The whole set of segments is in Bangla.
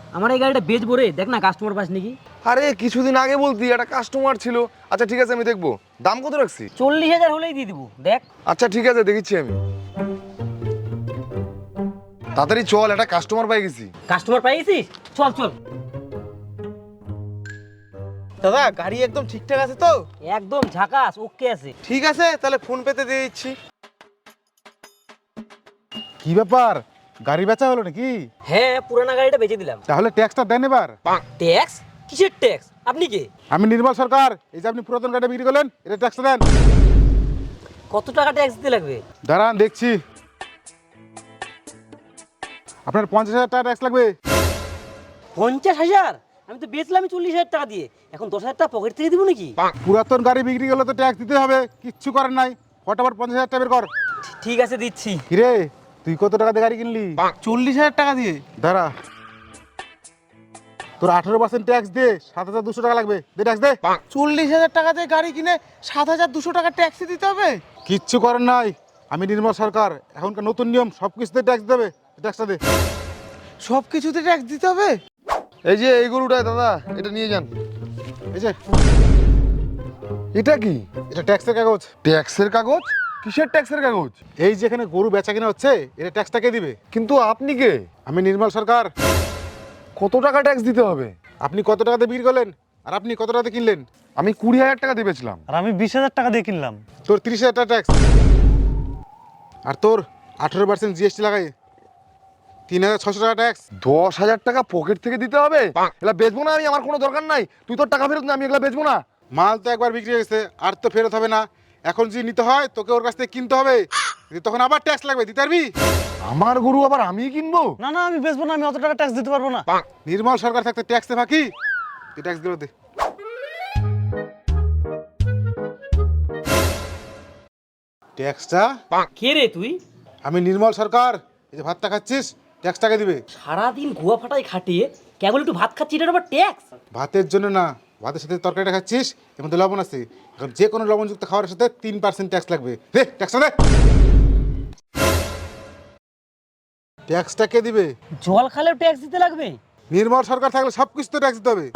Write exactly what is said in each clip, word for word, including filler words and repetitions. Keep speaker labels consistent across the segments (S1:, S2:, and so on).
S1: আমার এই গাড়িটা বেচবো রে, দেখ না কাস্টমার পাস নাকি।
S2: আরে কিছুদিন আগে বলতি একটা কাস্টমার ছিল। আচ্ছা ঠিক আছে, আমি দেখবো। দাম কত রাখছি?
S1: চল্লিশ হাজার হলেই দিয়ে দিবো, দেখ।
S2: আচ্ছা ঠিক আছে, দেখিচ্ছি আমি। তাড়াতাড়ি চল, একটা কাস্টমার পাই গেছি।
S1: কাস্টমার পাই গেছিস? চল চল।
S3: দাদা গাড়ি একদম ঠিকঠাক আছে তো?
S1: একদম ঝাকাস, ওকে আছে।
S3: ঠিক আছে, তাহলে ফোন পেতে দিয়ে দিচ্ছি।
S4: কি ব্যাপার, গাড়ি বেচা হলো নাকি?
S1: হ্যাঁ, পুরানা গাড়িটা বেচে দিলাম।
S4: তাহলে ট্যাক্সটা দেন এবার।
S1: ট্যাক্স? কিসের ট্যাক্স? আপনি কে?
S4: আমি নির্মল সরকার। এই যে আপনি পুরাতন গাড়ি বিক্রি করলেন, এটা ট্যাক্সটা দেন।
S1: কত টাকা ট্যাক্স দিতে লাগবে?
S4: দাঁড়ান দেখছি। আপনার পঞ্চাশ হাজার টাকা ট্যাক্স লাগবে।
S1: পঞ্চাশ হাজার? আমি তো বেচলাম চল্লিশ হাজার টাকা দিয়ে, এখন দশ হাজার টাকা পকেট থেকে দিব নাকি?
S4: পুরাতন গাড়ি বিক্রি করলে তো ট্যাক্স দিতে হবে, কিচ্ছু করার নাই। ফটাফট পঞ্চাশ হাজার টাকা বের কর।
S1: ঠিক আছে, দিচ্ছি।
S4: কিরে, তুই কত টাকা দিয়ে গাড়ি কিনলি?
S3: চল্লিশ হাজার টাকা দিয়ে।
S4: দাঁড়া, তোর আঠারো পার্সেন্ট ট্যাক্স দে, সাত হাজার দুশো টাকা লাগবে। দে ট্যাক্স দে।
S3: চল্লিশ হাজার টাকা দিয়ে গাড়ি কিনে সাত হাজার দুশো টাকা ট্যাক্সি দিতে হবে?
S4: কিচ্ছু করার নাই, আমি নির্মল সরকার। এখনকার নতুন নিয়ম, সব কিছুতে ট্যাক্স দেবে। ট্যাক্সটা দে।
S3: সব কিছুতে ট্যাক্স দিতে হবে?
S2: এই যে এই গরুটাই দাদা, এটা নিয়ে যান।
S4: এই যে
S2: এটা কি?
S4: এটা ট্যাক্সের কাগজ।
S2: ট্যাক্সের কাগজ? কিসের ট্যাক্সের কাগজ?
S4: এই যেখানে গরু বেচা কিনা হচ্ছে, এটা ট্যাক্সটা কে দিবে?
S2: কিন্তু আপনি কে?
S4: আমি নির্মল সরকার।
S2: কত টাকা ট্যাক্স দিতে হবে?
S4: আপনি কত টাকাতে বিক্রি করলেন আর আপনি কত টাকাতে কিনলেন?
S2: আমি কুড়ি হাজার টাকা দিয়ে বেচলাম।
S5: আর আমি বিশ হাজার টাকা দিয়ে কিনলাম।
S4: তোর তিরিশ হাজার টাকা ট্যাক্স, আর তোর আঠেরো পার্সেন্ট জিএসটি লাগাই তিন হাজার ছশো টাকা ট্যাক্স।
S2: দশ হাজার টাকা পকেট থেকে দিতে হবে? এগুলা বেচবো না আমি, আমার কোনো দরকার নাই। তুই তোর টাকা ফেরত না, আমি এগুলা বেচবো না।
S4: মাল তো একবার বিক্রি হয়ে গেছে, আর তো ফেরত হবে না। এখন যদি নিতে হয় তোকে ওর কাছ থেকে কিনতে হবে, তখন আবার ট্যাক্স লাগবে, দিতে পারবি?
S2: আমার গরু আবার আমি কিনবো?
S5: না না, আমি বেচবো না, আমি অত টাকা ট্যাক্স দিতে পারবো না।
S4: নির্মল সরকার থাকতে ট্যাক্সে ফাঁকি? তুই ট্যাক্স দিল দে। ট্যাক্সটা?
S1: কে রে তুই?
S4: আমি নির্মল সরকার। এই যে ভাতটা খাচ্ছিস, ট্যাক্স টাকা দিবে।
S1: সারাদিন গোয়া ফাটাই খাটিয়ে কেবল একটু ভাত খাচ্ছি, এটার আবার ট্যাক্স?
S4: ভাতের জন্য না, ভাতের সাথে তরকারিটা খাচ্ছিস, এর মধ্যে লবণ আছে। এখন যে কোনো লবণযুক্ত খাবারের সাথে তিন পার্সেন্ট ট্যাক্স লাগবে। দে ট্যাক্সটা দে। ট্যাক্সটা কে দিবে?
S1: জল খালেও ট্যাক্স দিতে লাগবে?
S4: নির্মল সরকার থাকলে সব কিছু তো ট্যাক্স দিতে হবে।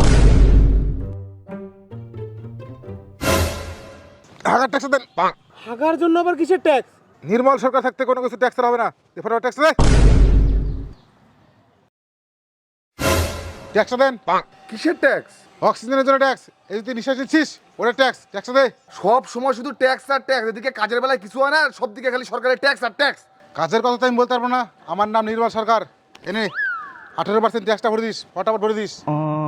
S4: হাগার ট্যাক্স দেন।
S3: হাগার জন্য আবার কিসের ট্যাক্স?
S4: নির্মল সরকার থাকতে কোনো কিছু ট্যাক্স হবে না। এরপরে ট্যাক্স দে। ট্যাক্সটা দেন।
S2: কিসের ট্যাক্স?
S4: অক্সিজেনের জন্য ট্যাক্স। এই যে তুই নিঃশ্বাস নিচ্ছিস, ওটা ট্যাক্স। ট্যাক্সটা দে।
S2: সব সময় শুধু ট্যাক্স আর ট্যাক্স, এদিকে কাজের বেলায় কিছু হয় না, সব দিকে খালি সরকারের ট্যাক্স আর ট্যাক্স।
S4: কাজের কথা তো আমি বলতে পারবো না। আমার নাম নির্মল সরকার। এনে আঠেরো পার্সেন্ট ট্যাক্সটা ভরে দিস, ফটাফট ভরে দিস।